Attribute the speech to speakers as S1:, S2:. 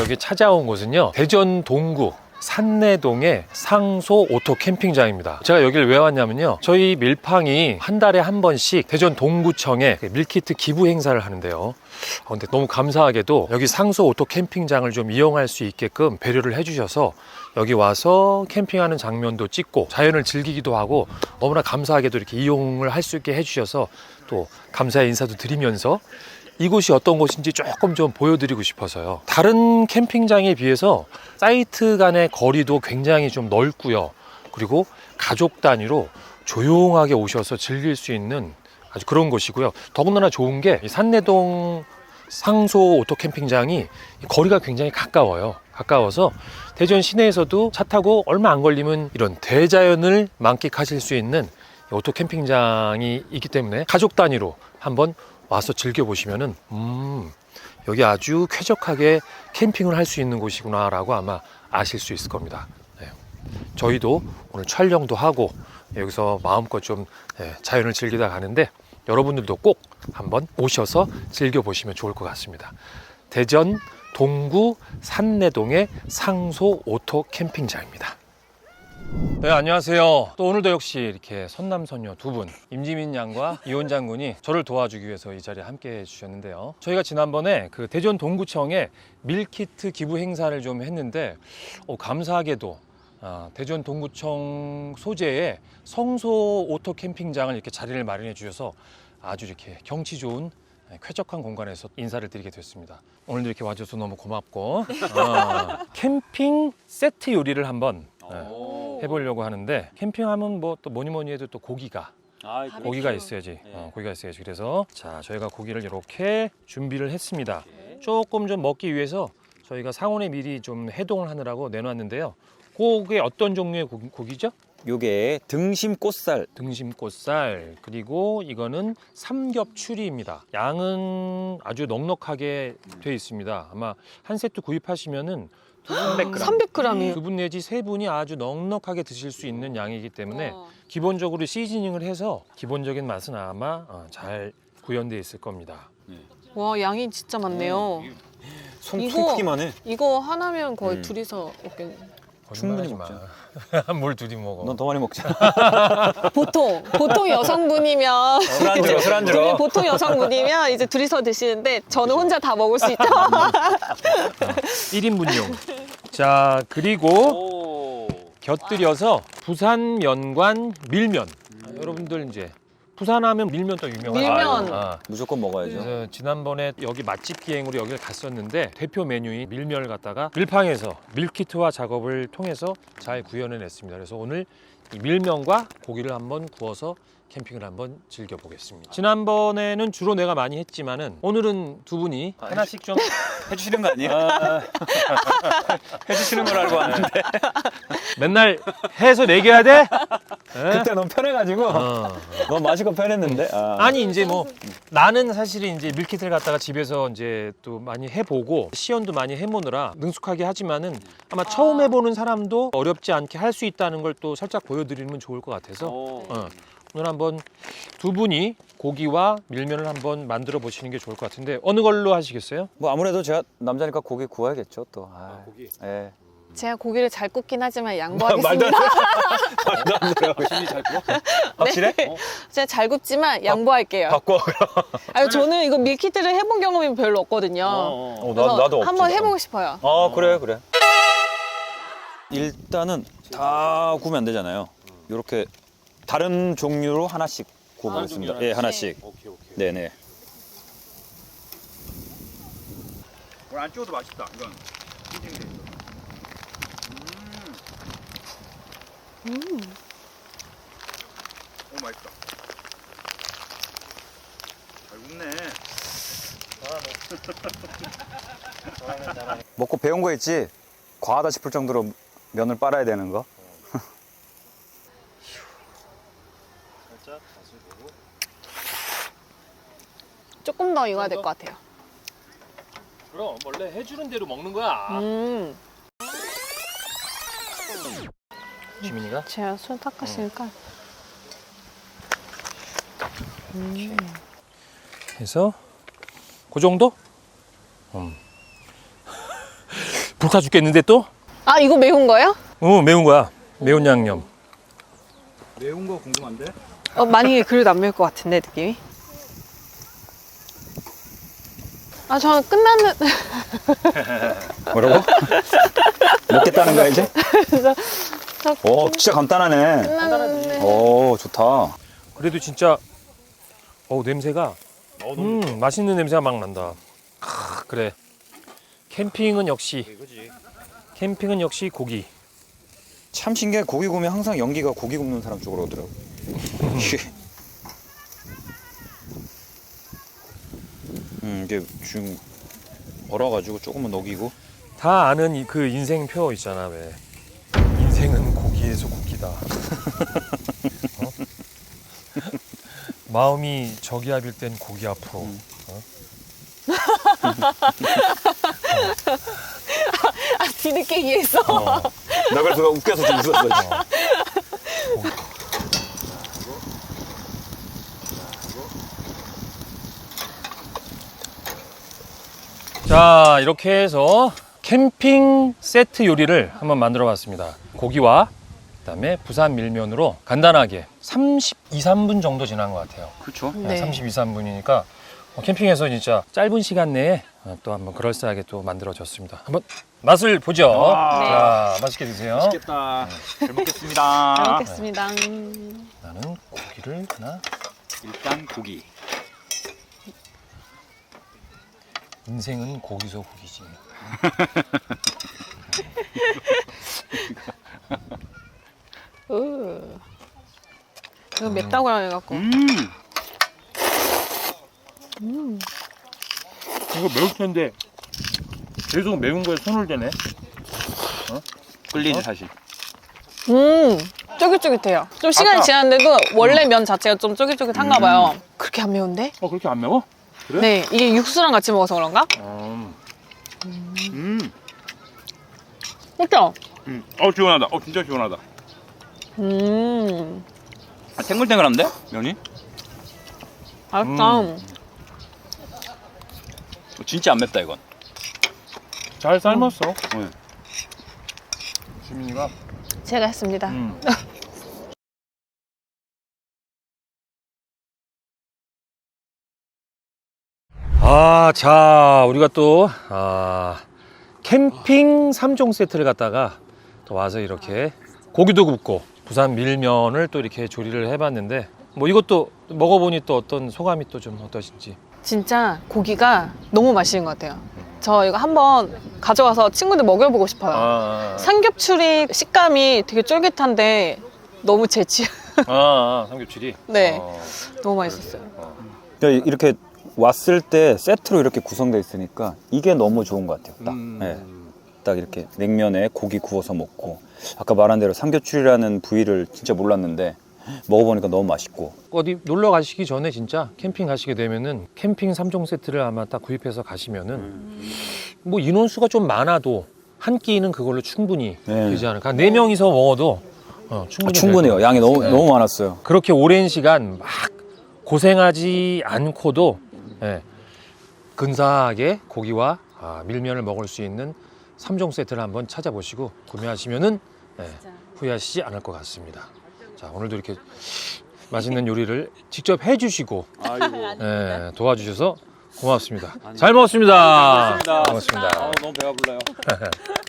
S1: 여기 찾아온 곳은요, 대전 동구 산내동의 상소 오토 캠핑장입니다. 제가 여기를 왜 왔냐면요, 저희 밀팡이 한 달에 한 번씩 대전 동구청에 밀키트 기부 행사를 하는데요. 근데 너무 감사하게도 여기 상소 오토 캠핑장을 좀 이용할 수 있게끔 배려를 해주셔서 여기 와서 캠핑하는 장면도 찍고 자연을 즐기기도 하고 너무나 감사하게도 이렇게 이용을 할 수 있게 해주셔서 또 감사의 인사도 드리면서 이곳이 어떤 곳인지 조금 좀 보여드리고 싶어서요. 다른 캠핑장에 비해서 사이트 간의 거리도 굉장히 좀 넓고요. 그리고 가족 단위로 조용하게 오셔서 즐길 수 있는 아주 그런 곳이고요. 더군다나 좋은 게 산내동 상소 오토 캠핑장이 거리가 굉장히 가까워요. 가까워서 대전 시내에서도 차 타고 얼마 안 걸리면 이런 대자연을 만끽하실 수 있는 오토 캠핑장이 있기 때문에 가족 단위로 한번 와서 즐겨보시면은 여기 아주 쾌적하게 캠핑을 할 수 있는 곳이구나 라고 아마 아실 수 있을 겁니다. 네. 저희도 오늘 촬영도 하고 여기서 마음껏 좀 자연을 즐기다 가는데 여러분들도 꼭 한번 오셔서 즐겨보시면 좋을 것 같습니다. 대전 동구 산내동의 상소 오토 캠핑장입니다. 네, 안녕하세요. 또 오늘도 역시 이렇게 선남선녀 두 분, 임지민 양과 이원 장군이 저를 도와주기 위해서 이 자리에 함께 해주셨는데요. 저희가 지난번에 그 대전 동구청에 밀키트 기부 행사를 좀 했는데 감사하게도 대전 동구청 소재의 성소 오토 캠핑장을 이렇게 자리를 마련해 주셔서 아주 이렇게 경치 좋은 쾌적한 공간에서 인사를 드리게 됐습니다. 오늘도 이렇게 와줘서 너무 고맙고 캠핑 세트 요리를 한번 해보려고 하는데, 캠핑하면 뭐 또 뭐니 해도 또 고기가 있어야지. 고기가 있어야지. 그래서 자, 저희가 고기를 이렇게 준비를 했습니다. 조금 좀 먹기 위해서 저희가 상온에 미리 좀 해동을 하느라고 내놨는데요. 그게 어떤 종류의 고기죠?
S2: 요게 등심꽃살.
S1: 등심꽃살, 그리고 이거는 삼겹추리입니다. 양은 아주 넉넉하게 돼 있습니다. 아마 한 세트 구입하시면은
S3: 300g이에요.
S1: 두 분 내지 세 분이 아주 넉넉하게 드실 수 있는 양이기 때문에 기본적으로 시즈닝을 해서 기본적인 맛은 아마 잘 구현되어 있을 겁니다.
S3: 와, 양이 진짜 많네요.
S2: 손 크기만 해.
S3: 이거 하나면 거의 둘이서 먹겠네.
S2: 충분히
S1: 먹자. 뭘 둘이 먹어.
S2: 넌 더 많이 먹자.
S3: 보통 여성분이면
S2: 술 안 들어.
S3: 보통 여성분이면 이제 둘이서 드시는데 저는 혼자 다 먹을 수 있죠.
S1: 1인분용. 자, 그리고 곁들여서 부산 면관 밀면. 여러분들 이제 부산하면 밀면 또 유명하죠.
S3: 밀면.
S2: 무조건 먹어야죠.
S1: 그래서 지난번에 여기 맛집 기행으로 여기를 갔었는데 대표 메뉴인 밀면을 갖다가 밀팡에서 밀키트화 작업을 통해서 잘 구현해냈습니다. 그래서 오늘 이 밀면과 고기를 한번 구워서 캠핑을 한번 즐겨보겠습니다. 지난번에는 주로 내가 많이 했지만은 오늘은 두 분이 하나씩 좀
S2: 해주시는 거 아니에요? 해주시는 걸 알고 왔는데.
S1: 맨날 해서 내겨야 돼?
S2: 그때 너무 편해가지고 너무 마시고 편했는데.
S1: 아니 이제 뭐 나는 사실 이제 밀키트를 갖다가 집에서 이제 또 많이 해보고 시연도 많이 해보느라 능숙하게 하지만은 아마 처음 해보는 사람도 어렵지 않게 할 수 있다는 걸 또 살짝 보여드리면 좋을 것 같아서 오늘 한번 두 분이 고기와 밀면을 한번 만들어 보시는 게 좋을 것 같은데 어느 걸로 하시겠어요?
S2: 뭐 아무래도 제가 남자니까 고기 구워야겠죠 또.
S1: 고기.
S2: 예.
S3: 제가 고기를 잘 굽긴 하지만 양보하겠습니다.
S2: 말도 안 돼요.
S1: 심리 잘 구워?
S2: 확실해?
S3: 제가 잘 굽지만 양보할게요.
S2: 바꿔.
S3: 아니, 저는 이거 밀키트를 해본 경험이 별로 없거든요. 그래서
S2: 나도 없지.
S3: 한번 해보고 싶어요.
S2: 그래. 일단은 다 구우면 안 되잖아요. 이렇게 다른 종류로 하나씩 구워보겠습니다. 예, 하나씩.
S1: 오케이.
S2: 네네.
S4: 안 찍어도 맛있다. 이건. 오, 맛있다. 잘 굽네.
S2: 먹고 배운 거 있지? 과하다 싶을 정도로 면을 빨아야 되는 거.
S1: 살짝 맛을 보고.
S3: 조금 더 익어야 될 것 같아요.
S1: 그럼 원래 해주는 대로 먹는 거야. 지민이가?
S3: 제가 손 닦았으니까.
S1: 해서 그 정도? 불타 죽겠는데 또?
S3: 아, 이거 매운 거예요?
S1: 매운 거야. 매운 양념.
S4: 매운 거 궁금한데?
S3: 많이 그래도 안 매울 것 같은데, 느낌이. 아, 저는 끝나는.
S2: 뭐라고? 먹겠다는 거야 이제? 오 진짜 간단하네.
S3: 끝나는.
S2: 오 좋다.
S1: 그래도 진짜 냄새가 맛있는 냄새가 막 난다. 그래. 캠핑은 역시 고기.
S2: 참 신기해. 고기 구우면 항상 연기가 고기 굽는 사람 쪽으로 오더라고. 이게 지금 얼어가지고 조금만 녹이고.
S1: 다 아는 그 인생표 있잖아. 왜 인생은 고기에서 고기다. 마음이 저기압일 땐 고기 앞으로.
S3: 아, 뒤늦게 이해했어.
S2: 나 그래서 웃겨서 좀 웃었어.
S1: 자, 이렇게 해서 캠핑 세트 요리를 한번 만들어 봤습니다. 고기와 그다음에 부산 밀면으로 간단하게 32, 3분 정도 지난 것 같아요.
S2: 그렇죠.
S3: 네.
S1: 32, 3분이니까 캠핑에서 진짜 짧은 시간 내에 또 한번 그럴싸하게 또 만들어졌습니다. 한번 맛을 보죠.
S3: 네.
S1: 자, 맛있게 드세요.
S4: 맛있겠다. 잘 먹겠습니다.
S3: 잘 먹겠습니다.
S1: 나는 고기를 하나.
S4: 일단 고기.
S1: 인생은 고기서 고기지.
S3: 이거 맵다고 해갖고.
S1: 이거 매울 텐데 계속 매운 거에 손을 대네.
S4: 끌리지 사실.
S3: 쫄깃쫄깃해요. 좀 시간이 지났는데도 원래 면 자체가 좀 쫄깃쫄깃한가 봐요. 그렇게 안 매운데?
S1: 그렇게 안 매워? 그래?
S3: 네, 이게 육수랑 같이 먹어서 그런가? 그렇죠?
S4: 시원하다. 진짜 시원하다. 탱글탱글한데 면이?
S3: 맛있다.
S4: 진짜 안 맵다 이건.
S1: 잘 삶았어.
S4: 네.
S1: 주민이가.
S3: 제가 했습니다.
S1: 자, 우리가 또 캠핑 3종 세트를 갖다가 또 와서 이렇게 고기도 굽고 부산 밀면을 또 이렇게 조리를 해봤는데 뭐 이것도 먹어보니 또 어떤 소감이 또 좀 어떠신지.
S3: 진짜 고기가 너무 맛있는 것 같아요. 저 이거 한번 가져와서 친구들 먹여보고 싶어요. 삼겹살이 식감이 되게 쫄깃한데 너무 제 취향.
S1: 삼겹살이.
S3: 네, 너무 맛있었어요.
S2: 그러니까 이렇게 왔을 때 세트로 이렇게 구성되어 있으니까 이게 너무 좋은 것 같아요. 딱. 네. 딱 이렇게 냉면에 고기 구워서 먹고 아까 말한 대로 삼겹살이라는 부위를 진짜 몰랐는데 먹어보니까 너무 맛있고.
S1: 어디 놀러 가시기 전에 진짜 캠핑 가시게 되면은 캠핑 3종 세트를 아마 딱 구입해서 가시면은 뭐 인원수가 좀 많아도 한 끼는 그걸로 충분히
S2: 네.
S1: 되지 않을까. 4명이서 먹어도 충분히
S2: 충분해요.
S1: 될
S2: 양이
S1: 것
S2: 너무
S1: 같아요.
S2: 너무 많았어요.
S1: 그렇게 오랜 시간 막 고생하지 않고도 근사하게 고기와 밀면을 먹을 수 있는 3종 세트를 한번 찾아보시고 구매하시면은 후회하시지 않을 것 같습니다. 자, 오늘도 이렇게 맛있는 요리를 직접 해주시고 도와주셔서 고맙습니다. 잘 먹었습니다.
S4: 고맙습니다.
S1: 고맙습니다.
S4: 너무 배가 불러요.